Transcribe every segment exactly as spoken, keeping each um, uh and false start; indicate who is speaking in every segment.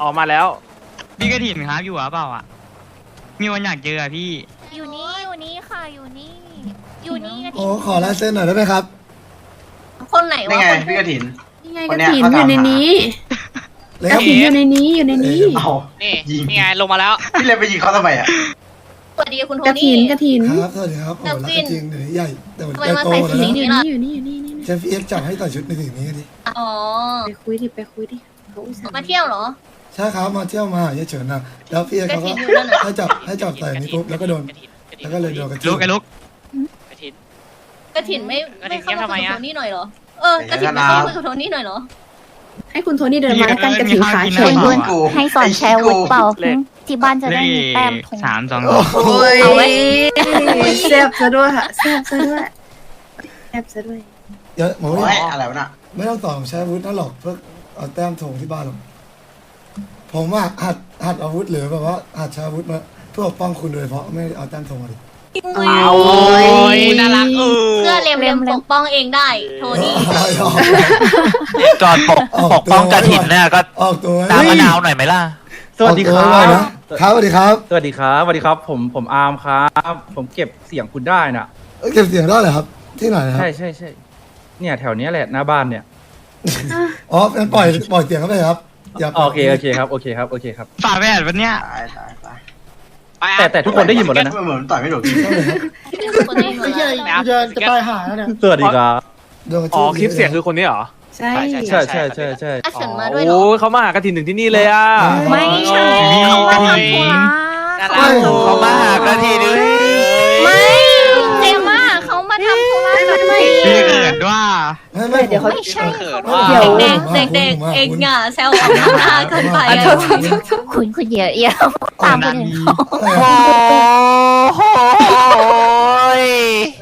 Speaker 1: ออกมาแล้ว
Speaker 2: พี่กระถิ่นครับอยู่หรือเปล่าอ่ะมีวันอยากเจอพี่
Speaker 3: อยู่นี่อยู่นี่ค่ะอยู่นี่อยู่นี่กระ
Speaker 4: โอ้
Speaker 3: ถิ่น
Speaker 4: ขอลายเส้นหน่อยได้ไหมครับ
Speaker 5: คนไหน
Speaker 6: นี่
Speaker 5: วะ
Speaker 6: ไง
Speaker 5: คน
Speaker 6: พี่กระถิน
Speaker 7: นี่ไงกระถินอยู่ในนี้
Speaker 4: เลย
Speaker 7: ก
Speaker 4: ค
Speaker 7: ระ
Speaker 4: รับ
Speaker 7: ถินอยู่ในนี้อยู่ในนี้
Speaker 6: เอา
Speaker 1: นี่
Speaker 6: ยิง
Speaker 1: นี่ไงลงมาแล้ว
Speaker 6: พี่เลยไปยิงเขาทำไมอ่ะ
Speaker 5: สวัสดีคุณโท
Speaker 7: กระถิ
Speaker 5: นี่
Speaker 7: นกระถิน
Speaker 4: ครับสวัสดีครับโอ้รักกันจริงเดี๋ยวนี้ใหญ่แต่มันใหญ่
Speaker 5: ทำไมมา
Speaker 4: โต
Speaker 5: ใส่
Speaker 4: แล้ว
Speaker 5: สี
Speaker 4: นะ
Speaker 5: นี้
Speaker 7: อยู่นี่อยู่นี่อยู่นี่นี่
Speaker 4: เชฟเอ็กซ์จับให้ใส่ชุดในสีนี้กันดิ
Speaker 5: อ๋อ
Speaker 7: ไปคุยดิไปคุยดิเขาอุตส่าห์
Speaker 5: มาเที่ยวเหรอ
Speaker 4: ใช่ครับมาเที่ยวมาหาเฉยๆนะแล้วพี่เอ็กซ์เขา
Speaker 5: กระถิ่
Speaker 4: ก็
Speaker 5: นอยู่นั่นน่ะ
Speaker 4: ให้จับให้จับใส่นี้ปุ๊บแล้วก็โดน
Speaker 1: กระถิ่นกระถิ่น
Speaker 4: แล้วก็เลยโดนกระ
Speaker 2: ลุ
Speaker 4: จิ้
Speaker 2: กไอ้ลุก
Speaker 1: กระถิ่น
Speaker 5: กระถินไม่
Speaker 1: กระถิ่
Speaker 5: ไม่
Speaker 1: น
Speaker 5: เข้ามา
Speaker 1: เงียบทำไม
Speaker 5: คุยกับ
Speaker 1: อะ
Speaker 5: โทนี่หน่อยเหรอเออกระถินไม่เข้ามาคุยกับโทนี่หน่อยเหรอ
Speaker 7: ให้คุณโทนี่เดินมาแล้วกันกระถินขาเขียว
Speaker 6: เพื่อนกู
Speaker 3: ให้สอนแชร์วุฒิเปล่าที่บ้านจะ
Speaker 2: เล
Speaker 3: ได้
Speaker 2: ข
Speaker 3: มีแต้มทง
Speaker 2: สามสอง
Speaker 4: โอ้โห
Speaker 7: เอาไว้แซ่บซะด้วยค่ะแซ่บซะด้วยแซ่บซะด้วย
Speaker 4: เดี๋ยวหมอ
Speaker 6: โอ้
Speaker 4: ไม่
Speaker 6: ยอะไรวะน่ะ
Speaker 4: ไม่ต้องสอนผมใช้อาวุธนั่นหรอกเพื่อเอาแต้มถงที่บ้านหรอกผมว่าหัดหัดอาวุธหรือแบบว่าหัดใช้อาวุธมาเพื่อปกป้องคุณโดยเฉพาะไม่ได้เอาแต้มถงมาดิ
Speaker 1: เอาโอ้ยน่ารักเออ
Speaker 5: เพื่อเลมเลมปกป้องเองได้โทนี่
Speaker 8: จอดปกปกป้องกระถินเนี่ยก็
Speaker 4: ออกตัว
Speaker 8: ตามมะนาวหน่อยไหมล่ะ
Speaker 9: สวัสดีครั
Speaker 4: ออกตัวไว้
Speaker 9: บ
Speaker 4: นะครับสวัสดีครับ
Speaker 9: สวัสดีครับ สวัสดีครับ ผม ผมอาร์มครับ ผมเก็บเสียงคุณได้น่ะ
Speaker 4: เอ้ยเก็บเสียงได้เหรอครับ ที่ไหนนะครับ
Speaker 9: ใช่ใช่ใช่ เนี่ยแถวเนี้ยแหละหน้าบ้านเนี่ย
Speaker 4: อ๋องั้นปล่อยปล่อยเสียงเข้าไปครับอย่าปล่
Speaker 9: โอ
Speaker 4: อย
Speaker 9: เค โอเคครับ โอเคครับ โอเคครับ
Speaker 2: ฝาแฝดวันเนี้ย
Speaker 6: ตายตายตาย
Speaker 1: ไปอ่ะ
Speaker 9: แต่แต่ทุกคนได้ยินหมดแล้วนะ
Speaker 6: ทำไมเหมือนต่อยไม่ถูก
Speaker 4: เข้าเลยครับ
Speaker 5: คนนี้มา
Speaker 1: ไม่ใช่
Speaker 5: แล้ว
Speaker 1: จะตายหาแล้วเนี่ย
Speaker 9: สวัสดีครับ
Speaker 4: โดนกระ
Speaker 1: อ๋อ
Speaker 4: จิ้ม
Speaker 1: คลิปเสียงคือคนนี้เหรอ
Speaker 7: ใช่
Speaker 9: ใช่ใช่ใช่ใช่
Speaker 5: อาเฉินมาด้วยเหรอ
Speaker 1: โอ้เขามาหากระถินถึงที่นี่เลยอ่ะ
Speaker 3: ไม่ใช่เขามาทำธุระ
Speaker 1: น่ารัก
Speaker 8: เขามาหากระถินด้วย
Speaker 3: ไม่เจม่าเขามาทำธุระกับพี่
Speaker 2: พี่เกิดว่า
Speaker 4: ไม่ไม่
Speaker 7: เดี๋ยวเขา
Speaker 3: ไม่ใช่
Speaker 1: เขิน
Speaker 4: ไม่
Speaker 1: ว่า
Speaker 7: เดี๋ยว
Speaker 5: เด็กเด็กเด็กเองอ่ะแซวออกหน้าเกินไป
Speaker 7: อ่ะ
Speaker 5: อะ
Speaker 7: โทษโทษโทษโทษ
Speaker 3: คุณคุณเยอะเยอะตามคนอื่นเขา
Speaker 8: โอ้โหย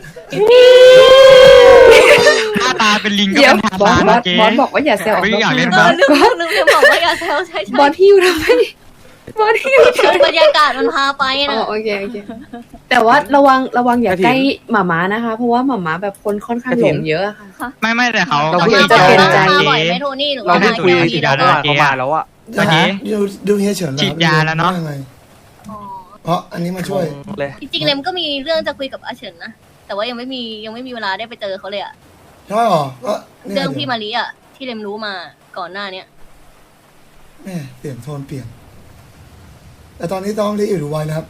Speaker 2: หน้าตาเป็นลิงก็
Speaker 7: เดี๋ยว
Speaker 2: เป็นทา
Speaker 7: บอส
Speaker 2: สาน
Speaker 7: บอส
Speaker 2: เจ๊
Speaker 7: บอสบอกว่าอย่าแซว
Speaker 2: ไม่อยากเล่น
Speaker 5: เออลืมลืมจะบอกว่าอย่าแซวใช่ใช่
Speaker 7: บอสที่อยู่ทำไมบอสที่อยู่ทำไม
Speaker 5: บรรยากาศมันพาไป
Speaker 7: อ๋
Speaker 5: นะ
Speaker 7: อโอเคโอเคแต่ว่าระวังระวังอย่าใกล้หมาม้านะคะ เพราะว่าหมาม้าแบบคนค่อนข้างหลงเยอะอะค่ะ
Speaker 2: ไม่ไม่แต่เขา
Speaker 1: เรา
Speaker 2: เขา
Speaker 1: คุย
Speaker 2: ฉีด
Speaker 7: จะ
Speaker 2: ยา
Speaker 7: เป็น
Speaker 2: แล้ว
Speaker 7: ใจ
Speaker 5: มา
Speaker 2: เจ๊
Speaker 5: บ่อยไหมโทนี่หรือ
Speaker 1: เรา
Speaker 5: ว่า
Speaker 1: ได้คุย
Speaker 5: มา
Speaker 1: ฉีดยาแล้วเขามาแล้วอ่ะ
Speaker 4: จะหาดูดูเฮียเฉิน
Speaker 2: ฉีดยาแล้วเนอะ
Speaker 4: ยังไง
Speaker 5: อ๋อ
Speaker 4: เพราะอันนี้มาช่วย
Speaker 1: เลย
Speaker 5: จริงๆเลมก็มีเรื่องจะคุยกับอาเฉินนะแต่ว่ายังไม่มียังไม่มีเวลาได้ไปเจอเขาเลยอะ
Speaker 4: ใช่หรอก็นี่ย
Speaker 5: เรื่องพี่มารีอะที่เลมรู้มาก่อนหน้าเนี้ย
Speaker 4: แม่เปลี่ยนโทนเปลี่ยน แต่ตอนนี้ต้องรีบอยู่ดูไว้นะครับ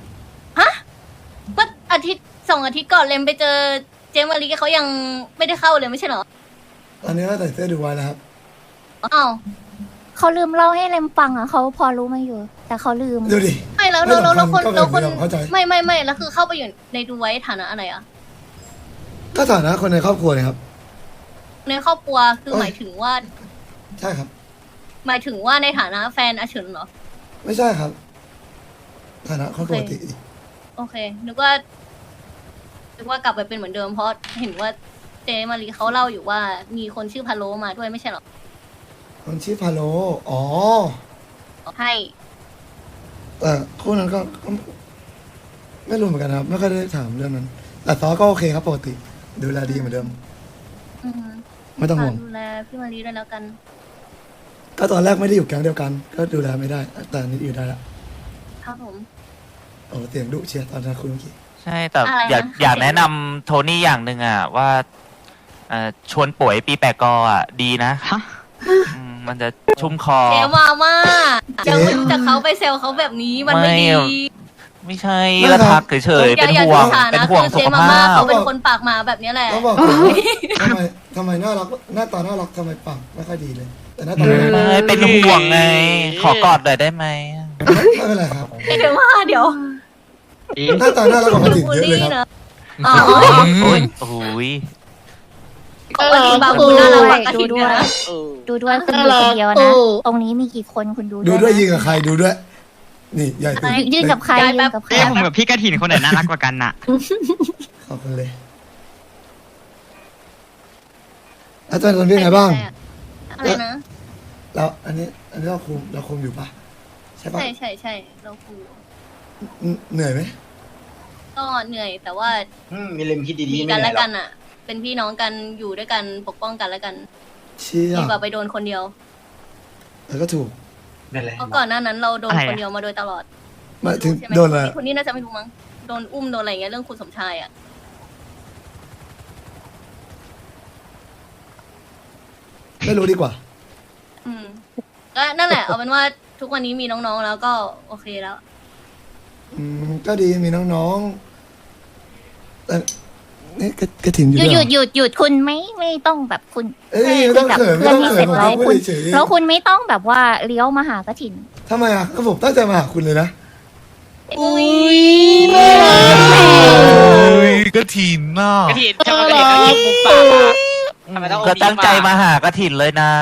Speaker 5: ก็อาทิตย์สองอาทิตย์ก่อนเลมไปเจอเจมมารีเขายังไม่ได้เข้าเลยไม่ใช่เหรอ
Speaker 4: ตอนนี้ก็ใส่เสื้อดูไว้แล้วครับ
Speaker 5: อ้าว
Speaker 3: เขาลืมเล่าให้เลมฟังอ่ะเขาพอรู้มาอยู่ แต่เขาลืม
Speaker 4: ดูดิ
Speaker 5: ไม่แล้วแล้วแล้วแล้วคน
Speaker 4: ไม่
Speaker 5: แล้ว
Speaker 4: สำ
Speaker 5: ค
Speaker 4: คั
Speaker 5: น
Speaker 4: ญก็ไม่เข้าใจ
Speaker 5: ไม่ไม่ไม่แล้วคือเข้าไปอยู่ในดูไว้ฐานะอะไรอะ
Speaker 4: ก็ฐานะคนในครอบครัวเลยครับ
Speaker 5: ในครอบครัวคือ
Speaker 4: เอ้ย
Speaker 5: หมายถึงว่า
Speaker 4: ใช่ครับ
Speaker 5: หมายถึงว่าในฐานะแฟนอาเฉินเหรอ
Speaker 4: ไม่ใช่ครับ ฐานะคนปกติ
Speaker 5: โอเค นึกว่า นึกว่ากลับไปเป็นเหมือนเดิมเพราะเห็นว่าเจมารีเขาเล่าอยู่ว่ามีคนชื่อพาโลมาด้วยไม่ใช่เหรอ
Speaker 4: คนชื่อพาโลอ๋อ
Speaker 5: ให้
Speaker 4: แต่คู่นั้นก็ก็ไม่รู้เหมือนกันครับ ไม่ค่อยได้ถามเรื่องนั้น แต่ซอก็โอเคครับปกติ ดูแลดีเหมือนเดิม
Speaker 5: อืม
Speaker 4: ไม่ต้องห่วง
Speaker 5: ฝากดูแลพี่มารีด้วยแล้วกัน
Speaker 4: ก็ตอนแรกไม่ได้อยู่แก๊งเดียวกัน ก็ดูแลไม่ได้ แต่อันนี้อยู่ได้ละ
Speaker 5: ครับผม
Speaker 4: โอ้เสียงดุเชียร์ตอนนั้นคุยเมื่อกี้
Speaker 8: ใช่แต่
Speaker 5: อะไรนะ
Speaker 8: อยากอยากแนะนำโทนี่อย่างหนึ่งอ่ะ ว่าเอ่อชวนป่วยปีแปะกออ่ะ ดีนะ
Speaker 2: ฮะ
Speaker 8: อืมมันจะชุ่มคอ
Speaker 5: เจมาม่าจะจะเขาไปเซลเขาแบบนี้มันไม่ดี
Speaker 8: ไม่ใช่ละทักเฉยๆ
Speaker 5: อย่า
Speaker 8: เป็น
Speaker 5: อย่า
Speaker 8: ห่วง
Speaker 5: ถือสา
Speaker 8: เป็น
Speaker 5: นะ
Speaker 8: ห่วง
Speaker 5: คือ
Speaker 8: สุ
Speaker 5: เจ
Speaker 8: ข
Speaker 5: มา
Speaker 8: ภา
Speaker 5: ม่า
Speaker 8: พ
Speaker 5: เขาเป็นคนปากหมาแบบนี้แหละ
Speaker 4: ต้องบอกก่อนว่าทำไมทำไมน่ารักหน้าตาน่ารักทำไมปากไม่ค่อยดีเลย แต่หน้าตาไม่
Speaker 8: ไม่เป็นห่วงไง ขอกอดหน่อยได้ไหม
Speaker 4: เป็นไรครับ
Speaker 5: เจมาเดี๋ยว
Speaker 4: หน้าตาน่ารักกว่าคนอื่นเยอะเลยครับ
Speaker 5: นะอ๋อ
Speaker 8: โอ้ยโอ้ย
Speaker 5: ปกติบางคนน่ารักกว่ากระ
Speaker 3: ดู
Speaker 5: ถิ่น
Speaker 3: ด้
Speaker 5: ด้
Speaker 3: ว
Speaker 5: วย ยนะ
Speaker 3: ดูด้วยคุณดูคนเดียวนะ ตรงนี้มีกี่คนคุณดู
Speaker 4: ดูด้วย
Speaker 3: นะ
Speaker 4: ยิงกับใครดูด้วย นี่ใหญ่ตื่น
Speaker 3: ยืนกับใคร
Speaker 5: ย้าย
Speaker 3: ยื
Speaker 5: แป๊
Speaker 3: น
Speaker 5: บ
Speaker 3: กับใคร
Speaker 2: เอ้ผมกับพี่กระถินคนไหนน่ารักกว่ากันน่ะ
Speaker 4: ขอบคุณเลยอาจารย์คนเป็นไงบ้าง
Speaker 5: อะไรนะ
Speaker 4: แล้วอันนี้อันนี้เราคุมเราคุมอยู่ปะใช่ปะ
Speaker 5: ใช่ใช่ใช่เราคุย
Speaker 4: เหนื่อยไหม
Speaker 5: ก็เหนื่อยแต่ว่า
Speaker 6: อืมมีเลมคิดดี
Speaker 5: มี
Speaker 6: ๆไม่
Speaker 5: กัน
Speaker 6: เหนื่
Speaker 5: และ
Speaker 6: อยหร
Speaker 5: กั
Speaker 6: อก
Speaker 5: นอ่ะ เป็นพี่น้องกันอยู่ด้วยกันปกป้องกันและกัน
Speaker 4: เชี่ย
Speaker 5: ดีกว่าไปโดนคนเดียว
Speaker 4: แล้วก็ถูก
Speaker 6: เป็นไร
Speaker 5: เพราะก่อนหน้านั้นเราโดนคนเดียวมาโดยตลอด
Speaker 4: หมายถึง
Speaker 5: ใช่ไหม
Speaker 4: โดนอะไร
Speaker 5: คนนี้น่าจะไม่รู้มั้งโดนอุ้มโดนอะไรเงี้ยเรื่องคุณสมชายอ่ะ
Speaker 4: ไม่รู้ดีกว่า
Speaker 5: อืมก็นั่นแหละเอาเป็นว่าทุกวันนี้มีน้องๆแล้วก็โอเคแล้ว
Speaker 4: อืมก็ดีมีน้องๆแต่นี่กระกระถิ่นอยู่
Speaker 3: หยุด
Speaker 4: ด้วย
Speaker 3: หยุด
Speaker 4: เหรอ
Speaker 3: หยุดหยุดคุณไม่ไม่ต้องแบบคุณ
Speaker 4: เอ้ยไม่ต้องเขินไม่
Speaker 3: เพื่อ
Speaker 4: ต้
Speaker 3: น
Speaker 4: อง
Speaker 3: ที่
Speaker 4: เขิ
Speaker 3: เสร็
Speaker 4: น
Speaker 3: จ
Speaker 4: ผม
Speaker 3: แล้ว
Speaker 4: พูด
Speaker 3: คุณ
Speaker 4: เฉยๆ
Speaker 3: แล้วคุณไม่ต้องแบบว่าเลี้ยวมาหากระถิน
Speaker 4: ทำไมอ่ะก็ผมตั้งใจมาหาคุณเลยนะ
Speaker 5: อุ้ย
Speaker 10: กระถินน่ะ
Speaker 1: กระถินชอบกระถินกระถินมุมปากอะทำไมต้องเอา
Speaker 8: ก็ตั้งใจมาหากระถินเลยนะ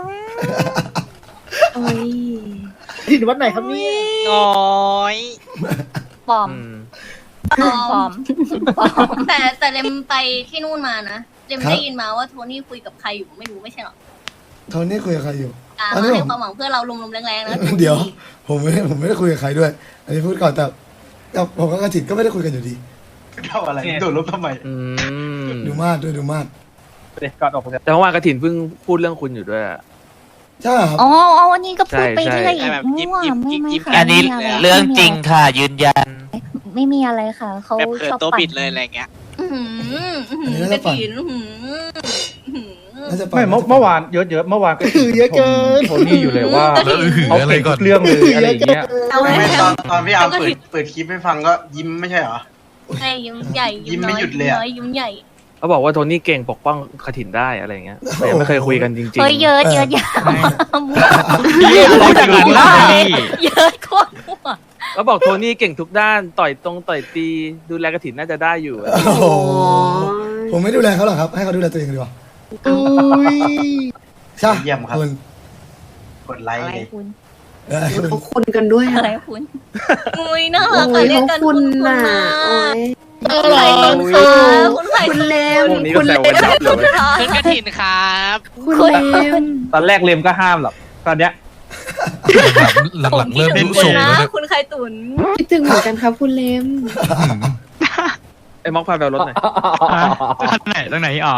Speaker 7: โอ้ย
Speaker 9: ถิ่นวัดไหนครับเนี่ย
Speaker 1: น้อย
Speaker 3: ปลอม
Speaker 1: อืม
Speaker 3: ปลอมปลอม
Speaker 5: แต่แต่เลมไปที่นู่นมานะเลม
Speaker 4: ครับ
Speaker 5: ได้ยินมาว่าโทนี่คุยกับใครอยู่ไม่รู้ไม่ใช่หรอ
Speaker 4: โทนี่คุยกับใครอยู่
Speaker 5: อ่า
Speaker 4: อัน
Speaker 5: มา
Speaker 4: นี้
Speaker 5: ให้
Speaker 4: ผม
Speaker 5: ความหวังเพื่อเราลมๆแรงๆนะ
Speaker 4: เดี๋ยว ผมไม่ได้ผมไม่ได้คุยกับใครด้วย อันนี้พูดก่อนแต่แต่ผมกับกระถิ่นก็ไม่ได้คุยกันอยู่ดี
Speaker 6: เท่าอะไรโดดลบทำไม
Speaker 1: อืม
Speaker 4: ดูมาดด้วยดูมาด
Speaker 9: เด็กก่อนออกไป
Speaker 1: แต่เมื่อวานกระถินเพิ่งพูดเรื่องคุณอยู่ด้วยอะ
Speaker 4: ใช่ครับ
Speaker 3: อ๋ออ๋อวันนี้ก็พูดไป
Speaker 1: ใช่
Speaker 3: เรื่อย
Speaker 1: ใช่
Speaker 3: อีก
Speaker 1: แบบยิ้ม
Speaker 3: มั่ว
Speaker 1: ยิ้ม
Speaker 3: ไม่
Speaker 1: ยิ้ม
Speaker 3: ไม่
Speaker 1: ยิ้ม
Speaker 3: ค่ะ
Speaker 8: อันนี้
Speaker 3: ไม่มีะไ
Speaker 8: เรื่องจริงค่ะ ยืนยัน
Speaker 3: ไม่มีอะไรค่ะเขา
Speaker 1: แบบเขิน
Speaker 3: ชอบ
Speaker 1: ตัว
Speaker 3: ปั่
Speaker 1: บิ
Speaker 3: น
Speaker 1: ดเลยอะไรเงี้ย
Speaker 5: อื้อหืออื้อหื
Speaker 4: อันนี้
Speaker 5: อ
Speaker 4: น่า
Speaker 5: ไป
Speaker 4: จะปั่น
Speaker 5: กินอื้อหืออื้อหือ
Speaker 4: น่าจะ
Speaker 9: ไม่เมื่อเมื่อวานเยอะเยอะๆเมื่อวานก็ชมโทนี่อยู่เลยว่า
Speaker 10: แล้วอือหือ
Speaker 9: เขา
Speaker 10: อะไร
Speaker 9: เก่ง
Speaker 10: ก่
Speaker 9: ทุ
Speaker 10: อน
Speaker 9: กเรื่องเลยอะไรอย่างเงี้ย
Speaker 5: เอาไว้
Speaker 6: ไม่
Speaker 5: แล้
Speaker 6: ต
Speaker 5: ว
Speaker 6: อนตอนพี่อาร์มเปิดเปิดคลิปให้ฟังก็ยิ้มไม่ใช่เหรอ
Speaker 5: ใช่ยิ้มใหญ่
Speaker 6: ยิ้มไม่
Speaker 5: น้อ
Speaker 6: หยุดเลยอะ
Speaker 5: น้อยยิ้มใหญ่
Speaker 1: เขาบอกว่าโทนี่เก่งปกป้องกระถินได้อะไรเงี้ยแต่ยังไม่เคยคุยกันจริงๆ
Speaker 3: เฮ้ยเยอะเยอะยาว
Speaker 2: พูดจากหลังบ้านนี่
Speaker 3: เยอะโคตรมั่ว
Speaker 1: เขาบอกโทนี่เก่งทุกด้านต่อยตรงต่อยตีดูแลกระถินน่าจะได้อยู่
Speaker 4: โอ้โหผมไม่ดูแลเขาหรอกครับ ให้เขาดูแลตัวเองดีกว่าใช่
Speaker 6: เยี่ยมครับ
Speaker 4: คุณ
Speaker 6: กดไลค์
Speaker 3: อะไร
Speaker 6: เลย
Speaker 3: คุณ
Speaker 4: เออคุณ
Speaker 7: เขาคุณกันด้วย
Speaker 3: อะ
Speaker 7: อะ
Speaker 3: ไรคุณ
Speaker 5: อุ้ยน่ารัก
Speaker 7: โอ้
Speaker 5: อะ
Speaker 7: ย
Speaker 5: เรียก
Speaker 7: เขา
Speaker 5: กัน
Speaker 7: คุ
Speaker 5: คุณ ณ
Speaker 7: น่ะ
Speaker 5: นะ
Speaker 7: โอ้ย
Speaker 5: คุณไข่ตุนค่ะคุณไข่
Speaker 7: คุณ
Speaker 5: ตุน
Speaker 7: เลม
Speaker 1: พวกนี้
Speaker 7: คุ
Speaker 1: ก็
Speaker 7: ณ
Speaker 1: แซ
Speaker 7: เล
Speaker 1: ว
Speaker 7: ม
Speaker 1: กันยับเลย
Speaker 5: ค่ะ
Speaker 1: กระถินครับ
Speaker 7: คุณเลม
Speaker 9: ตอนแรกเลมก็ห้ามหรอกตอนเนี้ย
Speaker 10: หลังๆเริ่ม
Speaker 5: เป็
Speaker 10: รู้
Speaker 5: นคุ
Speaker 10: ทร
Speaker 5: ณ
Speaker 10: ง
Speaker 5: นะ
Speaker 10: แล้วเนี่ย
Speaker 5: คุณไข่ตุน
Speaker 7: คิดถึงเหมือนกันครับคุณเลม
Speaker 1: ไอ้ม็อกพาแววรถหน่อย
Speaker 2: ฮะตรงไหนตรงไหนอ๋อ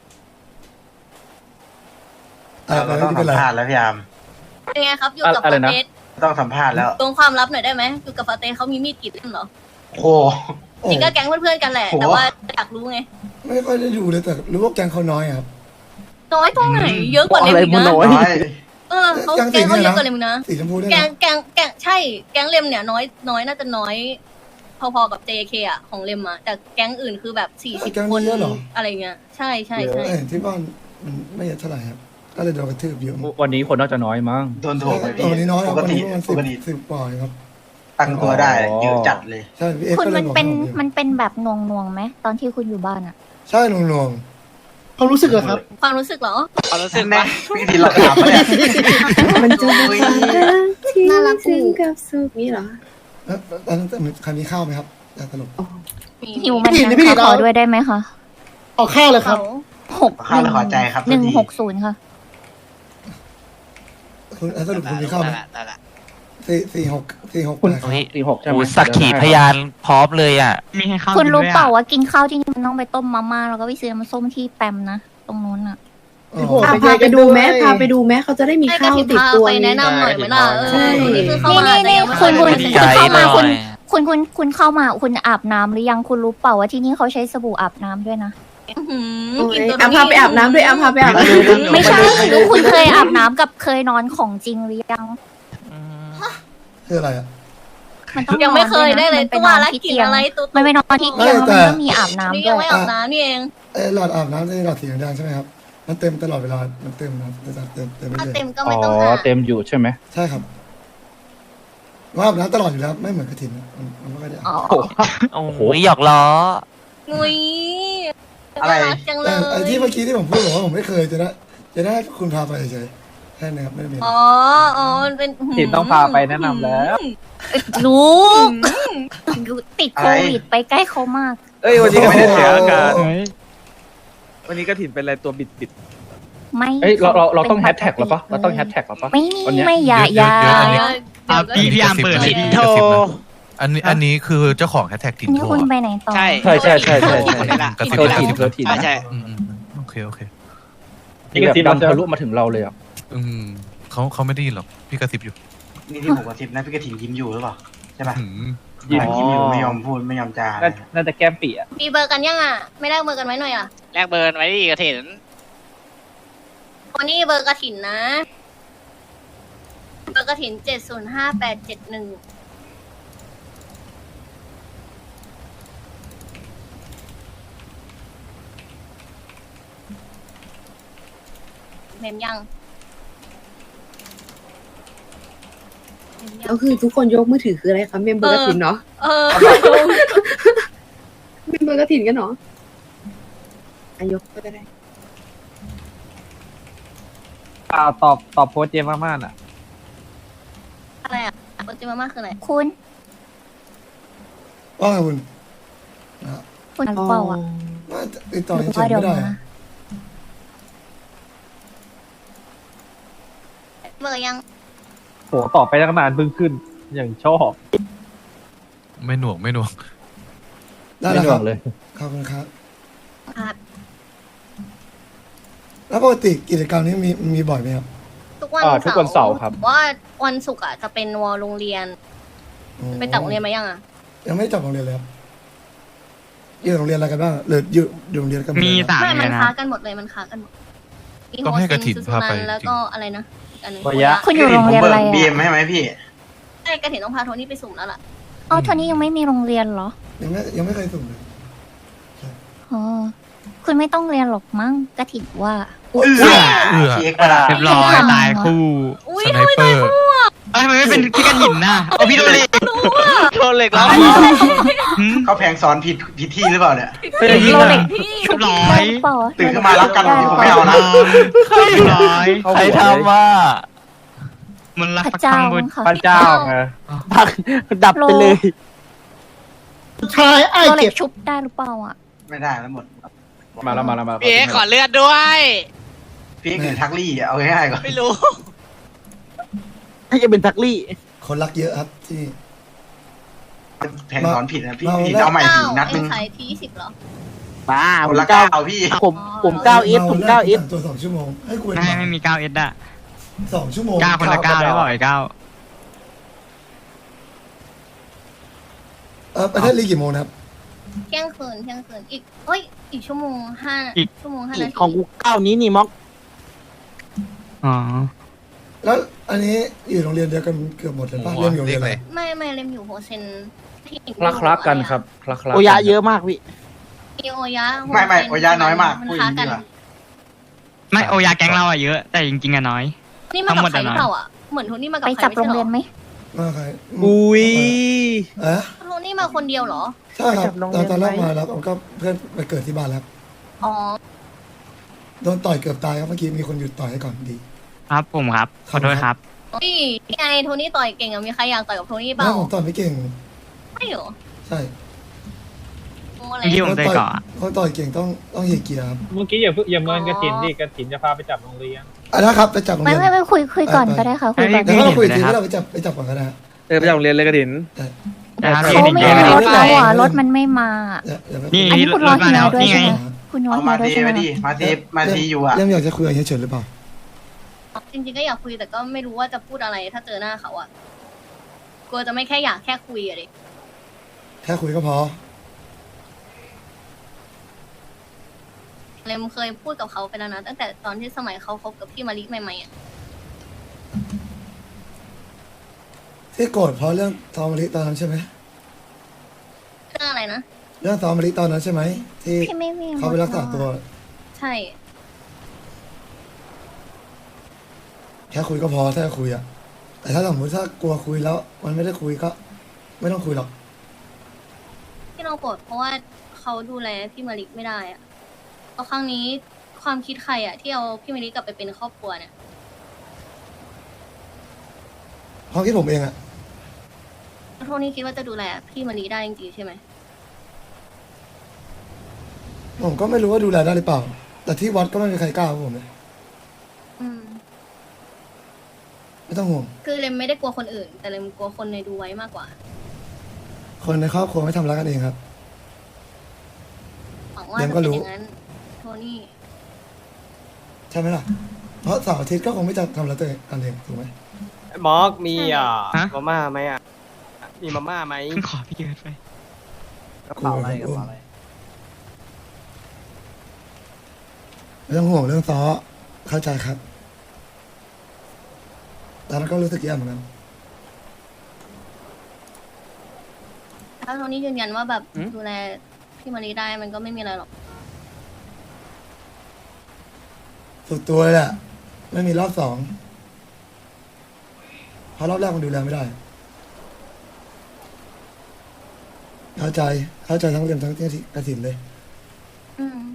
Speaker 4: อ่ะ
Speaker 6: เรา
Speaker 4: แล้ว
Speaker 6: ต้อง
Speaker 4: ที่เป็น
Speaker 6: สั
Speaker 4: ไร
Speaker 6: มภาษณ์แล้วพี่อาร์ม
Speaker 5: เป็นไงครับอยู่กับ
Speaker 9: อะไร
Speaker 5: ฟา
Speaker 9: นะ
Speaker 5: เตส
Speaker 6: ต้องสัมภาษณ์แล้ว
Speaker 5: ตรงความลับหน่อยได้ไหมอยู่กับฟาเตสเขามีมีดกรีดเล่มเหรอ
Speaker 6: โอ้โห
Speaker 4: โอ้
Speaker 5: จริงก็แก๊งเพื่อนๆกันแหละ
Speaker 6: โอ้
Speaker 5: แต่ว่าอยากรู้ไง
Speaker 4: ไม่ค่อยได้ดูเลยแต่รู้ว่าแกงเขาน้อยอะครับ
Speaker 5: น้อยตรงไหนเยอะกว่าเลมอีกนะ
Speaker 6: น้อย
Speaker 5: เออเขาแก๊งเขาเยอะกว่าเลมอีกนะ
Speaker 4: สีชมพูด้วย
Speaker 5: แก๊ง
Speaker 4: นะ
Speaker 5: แก๊งแก๊งใช่ แก๊งเลมเนี่ยน้อยน้อยน่าจะน้อย พอๆกับ เจ เค อ่ะของเลมอ่ะแต่แก๊งอื่นคือแบบสี่สิบคนอะไรเงี้ยใช่ใช่ใช่
Speaker 4: เห็นที่บ้านมันไม่เยอะเท่าไหร่ครับ ก็เลยโดนกระทืบเยอะมาก
Speaker 9: วันนี้คนน่าจะน้อยมั้ง
Speaker 6: โดนโถมไป
Speaker 4: ตอนนี้น้อยค
Speaker 6: ป
Speaker 4: รับ
Speaker 6: ก
Speaker 4: วัน
Speaker 6: ติ
Speaker 4: นี้ประมาณ
Speaker 6: ป
Speaker 4: สิบ
Speaker 6: กติ
Speaker 4: สิบกว่าเองครับ
Speaker 6: ตั้งตัวได้
Speaker 9: อ๋อ
Speaker 6: เยอะจัดเลย
Speaker 4: ใช่พี่เอ็ก
Speaker 3: คุณ
Speaker 4: ก็เล
Speaker 3: มั
Speaker 4: ย
Speaker 3: น
Speaker 4: บอก
Speaker 3: เป็น
Speaker 4: ให้ผม
Speaker 3: มันเป็นแบบนวงนวงๆไหมตอนที่คุณอยู่บ้านอะ
Speaker 4: ใช่หน่วง
Speaker 9: เขารู้สึกเหรอครับ
Speaker 5: ความรู้สึกเหรอ
Speaker 1: ความรู้สึก
Speaker 6: แน่
Speaker 1: ว่า
Speaker 6: พี่ทีเราถามมาเนี่ย
Speaker 7: มันจะเป็นความรักที่ถึงกับสุขนี่เหรอ
Speaker 4: ๆแล้วตอนนั้นใครมีข้าวไหมครับอยากตลก
Speaker 3: หิวมันนะขอด้วยได้ไหมคะ
Speaker 9: ออกข้าวเลยครับ
Speaker 3: หก
Speaker 6: ข้าวและขอใจครับ
Speaker 3: หนึ่ง
Speaker 6: โทษที
Speaker 3: หกศูนย์ค่ะ
Speaker 4: คุณสรุปคุณมีข้าวไหมสี่สี่หกสี่หก
Speaker 9: คุณ
Speaker 4: นะครับ
Speaker 8: เฮ้ย
Speaker 9: สี่หกใช่ไหม
Speaker 8: โอ้สักขีพยานพร้อมเลยอ่ะ
Speaker 2: มีให้เข้า
Speaker 3: คุณรู้
Speaker 2: กินด้วยอะ
Speaker 3: เปล่าว่ากินข้าวที่นี่มันต้องไปต้มมาม่าแล้วก็ไปซื้อน้ำส้มที่แปมนะตรงนู้นอะ
Speaker 4: อ๋อ
Speaker 7: อ่ะพาไปดูแม้พาไปดูแม้เขาจะได้มี
Speaker 5: ให้ก
Speaker 7: ข้า
Speaker 5: ระ
Speaker 7: ว
Speaker 5: ถิ่น
Speaker 7: ติด
Speaker 5: พา
Speaker 7: ตัว
Speaker 5: ไปแนะนำหน่อยไหมล่ะเอ
Speaker 7: ใช่
Speaker 5: อคนนี้เพิ่งเข้า
Speaker 3: นี่
Speaker 5: มา
Speaker 3: นี่
Speaker 5: แต่
Speaker 3: นี่
Speaker 5: ยังไม่
Speaker 3: คุณ
Speaker 5: เคย
Speaker 3: คุณ
Speaker 5: ได้
Speaker 3: คุณ
Speaker 5: เลย
Speaker 3: เข้ามาคุณคุณคุณคุณเข้ามาคุณอาบน้ำหรือยังคุณรู้เปล่าว่าที่นี่เขาใช้สบู่อาบน้ำด้วยนะ
Speaker 5: อื้อหือ
Speaker 7: โอ้ย
Speaker 5: กินตัว
Speaker 7: อ่ะพาไปอาบน้ำด้วยอ่ะพาไปอาบน้ำ
Speaker 3: ไม่ใช่รู้คุณเคยอาบน้ำกับเคยนอนของจริงหรือยัง
Speaker 4: คืออะไรอ่ะ
Speaker 3: มันต้อง
Speaker 5: ยังไม่เคยได้เลย
Speaker 3: มันไป
Speaker 5: ตัวน
Speaker 3: อน
Speaker 5: ละ
Speaker 3: ที่
Speaker 5: กิน
Speaker 3: เตียง
Speaker 5: อะไรตัว
Speaker 3: มันไปนอนที่เตียงแล้วมันก็มีอาบน้ำ
Speaker 5: นี่
Speaker 3: ด้
Speaker 5: ยัง
Speaker 3: วย
Speaker 5: ไม่อาบน้ำนี่เอง
Speaker 4: เออหลอดอาบน้ำจะหลอดสีแดงใช่ไหมครับ มันเต็มตลอดเวลา มันเต็มนะเต็มเต็มเต็มไป
Speaker 5: ถ้า
Speaker 4: เลย
Speaker 5: เต็มก็
Speaker 9: อ๋
Speaker 5: ไม่ต้อง
Speaker 9: อ
Speaker 5: อาบ
Speaker 9: เต็มอยู่ใช่ไหม
Speaker 4: ใช่ครับว่าอาบน้ำตลอดอยู่แล้วไม่เหมือนกระถิ่นนะมันมันไม่ค่อยได้อาบ
Speaker 3: อ๋อ
Speaker 8: โอ้โหหยอกล้อ
Speaker 5: งุย
Speaker 6: อะไร
Speaker 5: น่ารักจังเล
Speaker 4: แต่
Speaker 5: ย
Speaker 4: ไอ้ที่เมื่อกี้ที่ผมพูดบอกว่าผมไม่เคยจะได้จะได้ให้คุณพาไปเฉยๆแค่นี้ครับไม่ได้มีอะไร
Speaker 5: อ๋ออ๋อมันเป็น
Speaker 9: ถิ่นต้องพาไปแนะนำแล้ว
Speaker 3: ลูกติดโควิดไปใกล้เขามาก
Speaker 1: เอ้ยวันนี้ก็ไม่ได้เสียอาการ
Speaker 9: เฮ้ย
Speaker 1: วันนี้กระถินเป็นอะไรตัวบิดบิด
Speaker 3: ไม่
Speaker 9: เฮ้ยเราเราเราต้อง
Speaker 3: ป็
Speaker 9: แฮ
Speaker 3: น
Speaker 9: ชแท็กหรอปะเราต้องแฮชแท็กหรอปะ
Speaker 3: ไม่
Speaker 9: วันเนี้ย
Speaker 3: ไม่อย่าอย่า
Speaker 10: เดี๋ยวเดี๋ยว
Speaker 2: อ่ะพี่พี่อาร์มเปิดเลย
Speaker 10: ก
Speaker 2: พี่
Speaker 10: ระซิบนะอันนี้อันนี้คือเจ้าของแฮชแท็กถิ่น
Speaker 3: นี่
Speaker 10: โท
Speaker 3: คุณ
Speaker 10: อะ
Speaker 3: ไปไหนต่อ
Speaker 1: ใช่
Speaker 9: ใช่ใช่ใช่ใช่ใช่
Speaker 10: กระซิบ
Speaker 9: เธอก
Speaker 10: ระซิ
Speaker 9: ถิ่น
Speaker 10: บ
Speaker 9: เธอถิ่น
Speaker 1: ใช่
Speaker 10: อืมอืมโอเคโอเค
Speaker 9: นี่กระซิบทะลุมาถึงเราเลยอ่ะ
Speaker 10: อืมเขาเขาไม่ได้ยินหรอกพี่กระซิบอยู่
Speaker 6: นี่ที่ผมกระซิบนะพี่กระถิ่นยิ้มอยู่หรือเปล่าใช่ป่ะ
Speaker 10: หืม
Speaker 1: ยิ้ม
Speaker 6: ยิ้มอยู่ไม่ยอมพูดไม่ยอมจาอะไร
Speaker 1: น่าน่าจะแก้มปีอ่ะ
Speaker 5: มีเบอร์กันยังอ่ะ ไม่ได้เบอร์กันไว้หน่อยอ่ะ
Speaker 2: แลกเบอร์ไว้ดิกระถิน
Speaker 5: วันนี้เบอร์กระถินนะ เบอร์กระถินเจ็ดศูนย์ห้าแปดเจ็ดหนึ่งเมมยังเมมยัง
Speaker 7: ก็คือทุกคนยกมือถือคืออะไรคะเมมเบอร์กระถินเนาะ
Speaker 5: เออ
Speaker 7: เมมเบอร์กระถินกันเนาะอายกก็ได้
Speaker 9: อ่าตอบตอบโพสต์เจมมากๆอ่ะ
Speaker 5: อะไรอ่ะโปรจิมาม่าคืออะไร
Speaker 3: คุณ
Speaker 4: ว่าไงคุณ
Speaker 3: คุณรู้เปล่าอ่ะ
Speaker 4: ว่าติดต่อ
Speaker 3: หรื
Speaker 4: เฉ
Speaker 3: ว่าย
Speaker 4: ๆ
Speaker 3: เดี๋ยว
Speaker 4: ไม่ได้
Speaker 3: มา
Speaker 4: อะ
Speaker 5: เบอร์ยัง
Speaker 9: โหตอบไปตั้งนานเพิ่งขึ้น อย่างชอบ
Speaker 10: ไม่หน่วงไม่หน่วง
Speaker 4: ได้แล้วครับ
Speaker 9: ไม่หน่วงเลย
Speaker 4: ขอบคุณครับ
Speaker 5: ครับ
Speaker 4: แล้วปกติกิจกรรมนี้มีมีบ่อยไหมครับ
Speaker 5: ทุกวัน
Speaker 9: อ่าทุกวันเสาร์ครับ
Speaker 5: ว่าวันศุกร์อ่ะจะเป็นวอลโรงเรียน
Speaker 4: อ๋อ
Speaker 5: ไปตัดโรงเรียนมายังอ่ะ
Speaker 4: ยังไม่ได้จับโรงเรียนเลยครับอยู่โรงเรียนอะไรกันบ้างหรืออยู่อยู่โรงเรียนกันหดเลย
Speaker 2: มี
Speaker 4: ครับ
Speaker 2: สาม
Speaker 5: ไม่
Speaker 2: เล
Speaker 5: มัน
Speaker 2: ยนะ
Speaker 5: ค้ากันหมดเลยมันค้ากันหมดมี
Speaker 10: ต้องให้กระถิ่น
Speaker 5: โฮเซ
Speaker 10: พาไป
Speaker 5: ซูซูนันแล้วก็อะไรนะอันหนึ่ง
Speaker 9: วายะ
Speaker 3: คุณอยู่โรงเรียนอะไร
Speaker 6: บีเอ็ม
Speaker 3: อ่ะ
Speaker 6: ให้ไหมพี่
Speaker 5: ใช่กระถิ่นต้องพาโทนี่ไปสุ่มแล้วล่ะ
Speaker 3: อ๋อโทนี่ยังไม่มีโรงเรียนเหรอ
Speaker 4: ยังไม่ยังไม่เคยสุ่มเลย
Speaker 3: อ๋อ คุณไม่ต้องเรียนหรอกมั้งกระถิ่นว่า
Speaker 6: เอื้อ
Speaker 10: เอื้อ
Speaker 6: เช็คประดา
Speaker 2: เรียบร้อยตายคู่
Speaker 5: อุ้ย
Speaker 10: สไนเปอร์
Speaker 2: เอ้ยทำไมไม่เป็นพี่กระถินน่ะเอาพี่โดนเลย
Speaker 1: โทษเหล็กแล้ว
Speaker 2: หืม
Speaker 6: เขาแพงสอนผิดผิดที่หรือเปล่าเนี่ย
Speaker 1: เฮ้ยยิง
Speaker 3: โร
Speaker 1: อ่ะ
Speaker 3: เล็ก
Speaker 2: เรียบร้อ
Speaker 3: ได้
Speaker 2: ย
Speaker 3: หรือเปล่า
Speaker 6: ตื่นขึ้นมารับกันวันนี้ผมไม่เอานะ
Speaker 2: เรียบร้อย
Speaker 8: ใครทำว่า
Speaker 2: มันรัก
Speaker 3: พระ
Speaker 2: ประ
Speaker 3: เจ้า
Speaker 2: คังบุญ
Speaker 3: ค่ะ
Speaker 9: พระเจ้าไง
Speaker 1: พักดับไปเลย
Speaker 4: ชายไอ้
Speaker 3: โรเล็
Speaker 4: เก็
Speaker 3: ก
Speaker 4: บ
Speaker 3: ชุบได้หรือเปล่าอ่ะ
Speaker 6: ไม่ได้แล้วหมด
Speaker 9: มาแล้วมาแล้วมา
Speaker 2: พี่เอขอเลือดด้วย
Speaker 6: พี่เอ็กซ์หรือทักลี่อะเอาง่ายๆก่อน
Speaker 2: ไม่รู้
Speaker 1: ให้จะเป็นทักลี่
Speaker 4: คนรักเยอะครับที่
Speaker 6: แพงสอนผิดนะพี่
Speaker 4: มา
Speaker 6: พี่
Speaker 4: มา
Speaker 6: จะเอาใหม่
Speaker 5: เก้า
Speaker 6: อีกนัด
Speaker 5: ไอ้
Speaker 6: นึง
Speaker 5: ขายทีสิบเหรอ
Speaker 1: มา
Speaker 6: ค
Speaker 1: ผ
Speaker 6: น
Speaker 1: ม
Speaker 6: ละ
Speaker 1: เก้า
Speaker 6: เก้าพี่
Speaker 1: ผมผมเก้าเอสผมเก้าเอส
Speaker 4: ตัวสองชั่วโมงให้กู
Speaker 2: ไม่ไม่มีเก้าเอสอะ
Speaker 4: สองชั่วโมง
Speaker 2: เก้าคนละเก้าได้บ่อยเก้า
Speaker 4: เออประเทศลีกกี่โมงนะครับ
Speaker 5: เที่ยงคืนเที่ยงคืนอีกเอ้ย อีกชั่วโมงห้าชั่วโมงห้านาที
Speaker 1: ของกูเก้านี้นี่ม็อก
Speaker 2: อ๋อ
Speaker 4: แล้วอันนี้อยู่โรงเรียนเดียวกันเกือบหมดเลยป่ะ
Speaker 10: โอ้โห
Speaker 4: เรียนอยู่โรงเรียนอะไร
Speaker 10: เลข
Speaker 5: ไม่ไม่เล่มอยู่โฮเซนที่
Speaker 9: คลักคลักกันครับคลักคลัก
Speaker 1: โอยะเยอะมากพี่
Speaker 5: มีโอยะโฮเซน
Speaker 6: ไม่ไม่โอยาน้อยมาก
Speaker 5: มัน
Speaker 6: พูดอ
Speaker 5: ค้า
Speaker 6: ย่าง
Speaker 5: กั
Speaker 6: นี้
Speaker 5: น
Speaker 6: ดีกว่า
Speaker 2: ไม่โอยาแก๊งเราอะเยอะ แต่จริงๆอะน้อย
Speaker 5: นี่มากับใคร
Speaker 2: ทั้งหมดอะ
Speaker 5: หรือเปล่าอ่ะ เหมือนโทนี่มากับ
Speaker 3: ไป
Speaker 5: ใคร
Speaker 3: จับ
Speaker 5: ไม่
Speaker 3: โรง
Speaker 5: ใช่
Speaker 3: เรียน
Speaker 5: หรอ
Speaker 3: ไหม
Speaker 4: มาใคร
Speaker 1: อุ้ย
Speaker 4: เอ๊ะ
Speaker 5: โทนี่มาคนเดียวเหรอ
Speaker 4: ใช่ครับ
Speaker 1: จับโรงเรี
Speaker 4: ต
Speaker 1: ย
Speaker 4: อน นตอนแรก
Speaker 1: ไหม
Speaker 4: มาแล้วก็เพื่อนไปเกิดที่บ้านแล้ว
Speaker 5: อ๋อ
Speaker 4: โดนต่อยเกือบตายครับเมื่อกี้มีคนหยุดต่อยให้ก่อนดี
Speaker 2: ครับผมครับ ขอโทษครับ
Speaker 5: นี่ไงโทนี่ต่อยเก่งอะมีใครอยากต่อยกับโทนี่เป
Speaker 4: แล้
Speaker 5: ล่าว
Speaker 4: ผมต่อยไม่เก่ง
Speaker 5: ไม่เหรอ
Speaker 4: ใช่
Speaker 5: โอ้อะไร
Speaker 2: เมื่อกี้ผมเตะเกาะ
Speaker 4: คนต่อยเก่งต้องต้องเหยียดเกียร์ครับ
Speaker 9: เมื่อกี้อย่าเพิ่งอย่าเมินกระถินดิกระถินจะพาไปจับโรงเรียน
Speaker 4: อ่ะนะครับไปจับโรง
Speaker 3: ไม่
Speaker 4: เรียน
Speaker 3: ไม่ไม่คุยคุยก่อนก็ได้ค่ะคุยก่อน
Speaker 4: เดี๋ยวเราคุยอีกทีว่าเราไปจับไปจับก่อนก็ได้ฮะ
Speaker 1: เออไปจากโรงเรียนเลยกระถิน
Speaker 2: นะครับ
Speaker 3: เขาไม่
Speaker 2: เดี๋ยว
Speaker 3: มี
Speaker 2: เดี๋ยว
Speaker 3: รถแล้วอ่ะรถมันไม่มา
Speaker 4: อย่าอย่าไป
Speaker 2: นี่
Speaker 3: อันนี้คุณรอ
Speaker 2: รถมา
Speaker 3: เฮี
Speaker 2: แล้
Speaker 3: ยว ด้วย
Speaker 2: นี่ไง
Speaker 3: ใช่ไหมคุณรอ
Speaker 6: เอา
Speaker 3: เฮี
Speaker 6: มาย
Speaker 3: ด้วย
Speaker 6: ที
Speaker 3: ใช่ไหม
Speaker 6: มาดิมาทีมาทีอยู่อะ
Speaker 4: เรื่องอยากจะคุยกับเฮียเฉินหรือเปล่า
Speaker 5: จริงๆก็อยากคุยแต่ก็ไม่รู้ว่าจะพูดอะไรถ้าเจอหน้าเขาอะกลัวจะไม่แค่อยากแค่คุยอะดิ
Speaker 4: แค่คุยก็พอ
Speaker 5: เลมเคยพูดกับเขาไปแล้วนะตั้งแต่ตอนที่สมัยเขาคบกับพี่มาริใหม่ๆอะ
Speaker 4: ที่โกรธเพราะเรื่องซอมมะลิตอนนั้นใช่ไหม
Speaker 5: เรื่องอะไรนะ
Speaker 4: เรื่องซอมมะลิตอนนั้นใช่ไหมที่
Speaker 3: พี่ไม่มี
Speaker 4: เขาไปรักษาตัว
Speaker 5: ใช่
Speaker 4: แค่คุยก็พอถ้าจะคุยอะแต่ถ้าสมมติถ้ากลัวคุยแล้ว มันไม่ได้คุยก็ ไม่ต้องคุยหรอก
Speaker 5: ที่เราโกรธเพราะว่าเขาดูแลพี่มาริไม่ได้อะเพราะครั้งนี้ความคิดใครอะที่เอาพี่มาริกลับไปเป็นครอบครัวเนี่ย
Speaker 4: ความคิดผมเองอะ
Speaker 5: โทนี่คิดว่าจะดูแลพี่มาริได้จริงๆใช่ไหม
Speaker 4: ผมก็ไม่รู้ว่าดูแลได้หรือเปล่า แต่ที่วัดก็ไม่มีใครกล้ากับผมเลย
Speaker 5: อืม
Speaker 4: ไม่ต้องห่วง
Speaker 5: คือเลมไม่ได้กลัวคนอื่น แต่เลมกลัวคนในดูไว้มากกว่า
Speaker 4: คนในครอบครัวไม่ทำร้ายกันเองครับ
Speaker 5: หวังว่า
Speaker 4: เล
Speaker 5: จะ
Speaker 4: มก็
Speaker 5: เป็น
Speaker 4: รู้
Speaker 5: อย่างนั้น โทนี่
Speaker 4: ใช่ไหมล่ะ เพราะเสาร์อาทิตย์ก็คงไม่จะทำร้ายตัวเองกันเองถูกไหม
Speaker 9: มอกมีอ่ะ
Speaker 2: ฮะ
Speaker 9: มาม่าไหมอ่ะ มีมาม่าไหม
Speaker 2: ขอพี่เกิดไป
Speaker 9: กระเป๋าอะไรกระเป๋าอะไร
Speaker 4: ไม่ต้องห่วงเรื่องซ้อเข้าใจครับตอนนั้นก็รู้สึกแย่เหมือนกัน
Speaker 5: ถ้าโทนี่ยืนยันว่าแบบดูแลพี่มารีได้มันก็ไม่มีอะไรหรอก
Speaker 4: สุดตัวเลยแหละไม่มีรอบสองเพราะรอบแรกมันดูแลไม่ได้ เข้าใจเข้าใจทั้งเรียนทั้งที่กระสินเลย
Speaker 5: อืม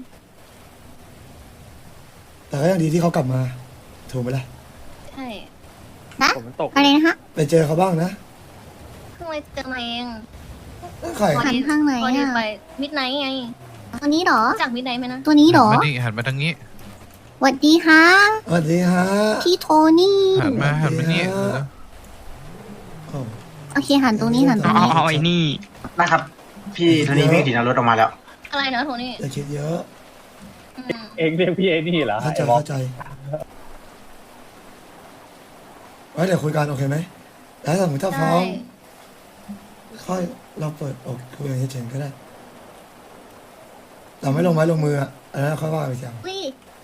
Speaker 4: แต่ก็ยังดีที่เขากลับมาถูกไหมล่ะ
Speaker 5: ใช่
Speaker 1: ผมมันตก
Speaker 3: อะไรนะคะ
Speaker 4: ไปเจอเขาบ้างนะ
Speaker 5: เพิ่งไปเจอมาเอง
Speaker 4: ใคร
Speaker 3: หันข้างไหน
Speaker 5: พอดี
Speaker 3: อ่ะ
Speaker 5: ไปมิดไนท์ไง
Speaker 3: ตัวนี้เหรอ
Speaker 5: รู้จากมิดไนท์ไหมนะ
Speaker 3: ตัวนี้เหรอ
Speaker 10: หันมานี่หันมาทางนี้
Speaker 3: สวัสดีฮะ
Speaker 4: สวัสดีฮะ
Speaker 3: พี่โทนี่
Speaker 10: หันมาหันมานี่
Speaker 4: เดี๋ยว โอ้
Speaker 3: โอเคหันตรงนี้หันตรง
Speaker 2: เอา
Speaker 3: นี้
Speaker 2: เอาไอ้นี่
Speaker 6: นะครับ พี่โทนี่วิ่งถีนรถออกมาแล้ว
Speaker 5: อะไรนะโทนี่
Speaker 4: อย่าคิดเยอะ
Speaker 5: อืม
Speaker 9: เองเรียกพี่เอนี่เหรอ
Speaker 4: เข้าใจเข้าใจไว้เดี๋ยวคุยกันโอเคไหมแล้วถ้าสมมติถ้าพร้อ
Speaker 5: ได้
Speaker 4: มค่อยเราเปิดอกคุยกันเฉยๆก็ได้ เราไม่ลงไม้ลงมืออ่ะอันนั้นค่อยว่าไปอย่าง
Speaker 3: อุ้ย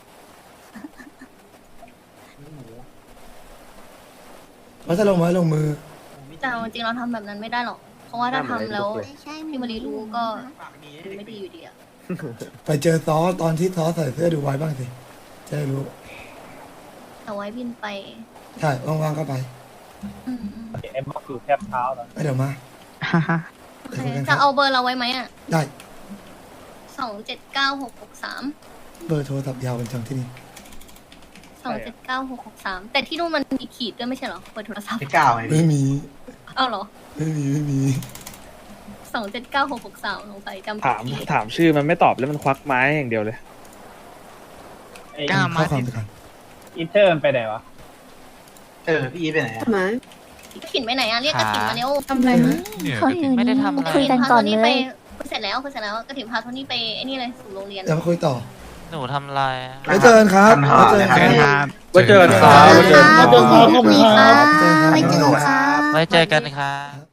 Speaker 4: ว่าถ้าลงไม้ลงมือ
Speaker 5: แต่เอาจริงๆเราทำแบบนั้นไม่ได้หรอก เพราะว่าถ้าทำแล้ว
Speaker 3: ใช่
Speaker 5: พี่มารีรู้ก็ไม่ดีอยู่ดีอะ
Speaker 4: ไปเจอซอตอนที่ซอใส่เสื้อดูไว้บ้างสิจะได้รู้
Speaker 5: เอาไว้บินไป
Speaker 4: ใช่ว่างๆก็ไป
Speaker 5: อืม
Speaker 9: เอ็มบอกอยู่แทบเท้าแล้ว
Speaker 4: เดี๋ยวมา
Speaker 5: โอ
Speaker 4: เดี๋ยว
Speaker 5: เค
Speaker 4: คุยกันค
Speaker 5: จะ
Speaker 4: รับ
Speaker 5: เอาเบอร์เราไว้ไหมอ่ะ
Speaker 4: ได้
Speaker 5: สองเจ็ดเก้าหกหกสาม
Speaker 4: เบอร์โทรศัพท์ยาวเป็นจังที่นี่
Speaker 5: สองเจ็ดเก้าหกหกสามแต่ที่นู่นมันมีขีดด้วยไม่ใช่เหรอเปิดโทรศัพท์
Speaker 6: พี่ก้าวไง
Speaker 4: ไม่มี
Speaker 5: เอาเหรอ
Speaker 4: ไม่มีไม่มี
Speaker 5: สองเจ็ดเก้าหกหกสามลงไปจำผิ
Speaker 1: ถา
Speaker 5: ด
Speaker 1: ม
Speaker 5: ขีด
Speaker 1: ถามชื่อมันไม่ตอบแล้วมันควักไม้อย่างเดียวเลย
Speaker 2: กล้ามา
Speaker 4: ข้อความไปกัน
Speaker 9: อินเทอร์มันไปไหนวะ
Speaker 6: เออ พี่อีทไปไหนอะ
Speaker 7: หมา
Speaker 5: กระถิ่นไปไหนอ่ะเรียกกระถิ่นมาเร็ว
Speaker 7: ทำอะไรนะ
Speaker 10: เนี่ย
Speaker 3: เขาอยู่
Speaker 8: ไม่ได้
Speaker 3: นี่
Speaker 8: ทำอะไร
Speaker 3: คุยกันก่อน
Speaker 5: พาโท
Speaker 3: เล
Speaker 5: ไป
Speaker 3: ย
Speaker 5: เสร็จแล้วเสร็จแล้วกระถิ่นพาโทนี่ไปไอ้นี่เลยสู่โรงเรียน
Speaker 4: เดี๋ยวมาคุยต่อ
Speaker 8: หนูทำอะไรอะ
Speaker 4: ไว้เจอกันครับ
Speaker 6: ท่าน
Speaker 4: ไว้เจอกัน
Speaker 6: เจอกัน
Speaker 4: ค
Speaker 6: ค
Speaker 4: รั
Speaker 6: รั
Speaker 4: บบ
Speaker 1: ไว้เจอกันครับ
Speaker 3: ไว้เจอกันครับไว้เจอกันครับ
Speaker 8: ไว้เจอกันครับ